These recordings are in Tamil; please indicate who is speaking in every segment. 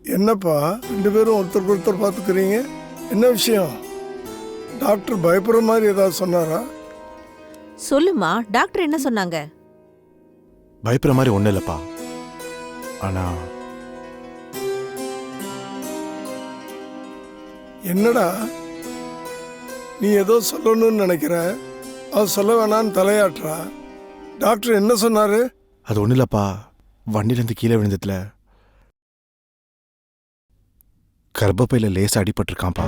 Speaker 1: என்னப்பா ரெண்டு பேரும் ஒருத்தருக்கு ஒருத்தர் பார்த்துக்கிறீங்க? என்ன விஷயம்? டாக்டர் பயப்படுற மாதிரி ஏதாவது சொன்னாரா?
Speaker 2: சொல்லுமா, டாக்டர் என்ன சொன்னாங்க?
Speaker 3: பயப்படுற மாதிரி ஒன்றும் இல்லைப்பா. ஆனா
Speaker 1: என்னடா நீ ஏதோ சொல்லணும்னு நினைக்கிற, அவன் சொல்ல வேணான்னு தலையாட்டுறா. டாக்டர் என்ன சொன்னாரு?
Speaker 3: அது ஒன்றும் இல்லைப்பா. வண்டியிலேருந்து கீழே விழுந்ததுல கர்ப்பப்பையில லேசா அடிபட்டிருக்கான்ப்பா.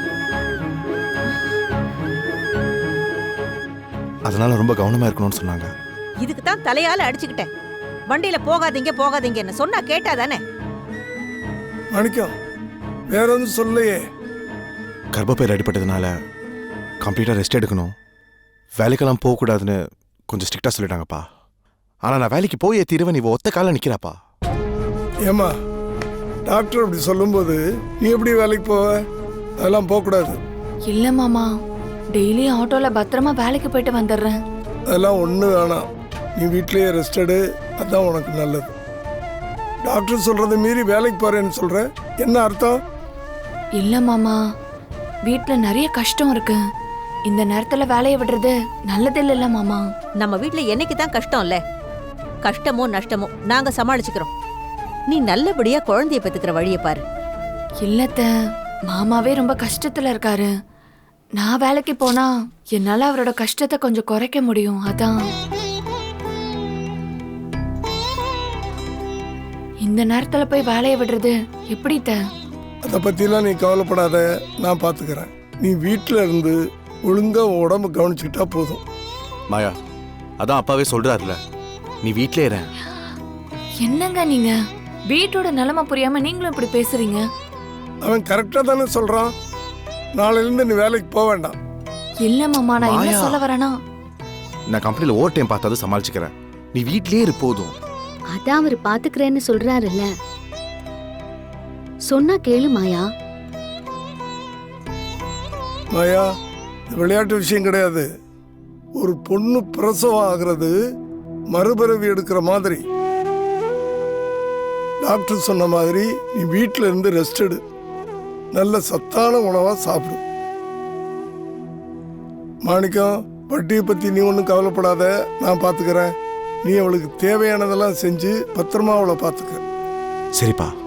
Speaker 3: அதனால ரொம்ப கவனமா இருக்கணும்னு சொன்னாங்க.
Speaker 2: இதுக்கு தான் தலையால அடிச்சுக்கிட்டேன். வண்டியில போகாதீங்க போகாதீங்கன்னு சொன்னா கேட்டா தானே?
Speaker 1: மாணிக்கம் வேற எதுவும் சொல்லையே?
Speaker 3: கர்ப்பப்பையில் அடிபட்டதுனால கம்ப்ளீட்டாக ரெஸ்ட் எடுக்கணும், வேலைக்கெல்லாம் போகக்கூடாதுன்னு கொஞ்சம் ஸ்ட்ரிக்டாக சொல்லிட்டாங்கப்பா. ஆனால் நான் வேலைக்கு போயே தீருவேன், நீ ஒத்த காலில் நிற்கிறாப்பா.
Speaker 1: ஏமா டாக்டர் அப்படி சொல்லும்போது நீ எப்படி வேலைக்கு போவ? அதெல்லாம் போகக்கூடாது.
Speaker 4: இல்ல மாமா, டெய்லி ஆட்டோல பத்திரமா வேலைக்கு போயிட்டு வந்துடுறேன்.
Speaker 1: அதெல்லாம் ஒன்றும் வேணாம். நீ வீட்லயே ரெஸ்ட் எடு, அதான் உனக்கு நல்லது. டாக்டர் சொல்றதை மீறி வேலைக்கு போறேன்னு சொல்ற, என்ன அர்த்தம்?
Speaker 4: இல்ல மாமா, வீட்ல நிறைய கஷ்டம் இருக்கு. இந்த நேரத்துல வேலையை விடுறது நல்லது இல்ல மாமா.
Speaker 2: நம்ம வீட்ல என்னைக்கு தான் கஷ்டம் இல்ல? கஷ்டமோ நஷ்டமோ நாங்க சமாளிச்சுக்கிறோம். நீ நல்லபடியா குழந்தைய பெத்துக்கிற வழியை பாரு.
Speaker 4: இல்லத்த, மாமாவே ரொம்ப கஷ்டத்துல இருக்காரு. நான் வேலைக்கு போனா என்னால அவரோட கஷ்டத்தை கொஞ்சம் குறைக்க முடியும். அதான் இந்த நேரத்துல போய் வேலையை விடுறது எப்படி?
Speaker 1: அதை பத்திலாம் நீ கவலைப்படாத, நான் பாத்துக்கிறேன். நீ வீட்டுல இருந்து ஒழுங்கா உடம்பு கவனிச்சுக்கிட்டா போதும்.
Speaker 3: மாயா, அதான் அப்பாவே சொல்றாருல, நீ வீட்டிலே இரு.
Speaker 4: என்னங்க நீங்க வீட்டோட நிலைமை புரியாம நீங்களும் இப்படி பேசுறீங்க?
Speaker 1: அவன் கரெக்டா தானே சொல்றான். நாளையில இருந்து நீ வேலைக்கு போக வேண்டாம்.
Speaker 4: இல்ல மாமா, நான் என்ன
Speaker 3: மாயா.
Speaker 4: சொல்ல வரேனா,
Speaker 3: நான் கம்பெனியில் ஓவர் டைம் பார்த்தாது சமாளிச்சுக்கிறேன், நீ வீட்டிலே இரு போதும்.
Speaker 5: அதான் அவர் பாத்துக்கிறேன்னு சொல்றாருல்ல, சொன்னா கேளு மாயா.
Speaker 1: மாயா, இது விளையாட்டு விஷயம் கிடையாது. ஒரு பொண்ணு பிரசவம் ஆகிறது மறுபிறவி எடுக்கிற மாதிரி. டாக்டர் சொன்ன மாதிரி நீ வீட்டில இருந்து ரெஸ்ட் எடு, நல்ல சத்தான உணவா சாப்பிடு. மாணிக்கம், வட்டியை பத்தி நீ ஒன்றும் கவலைப்படாத, நான் பார்த்துக்கிறேன். நீ அவளுக்கு தேவையானதெல்லாம் செஞ்சு பத்திரமா அவளை பார்த்துக்க.
Speaker 3: சரிப்பா.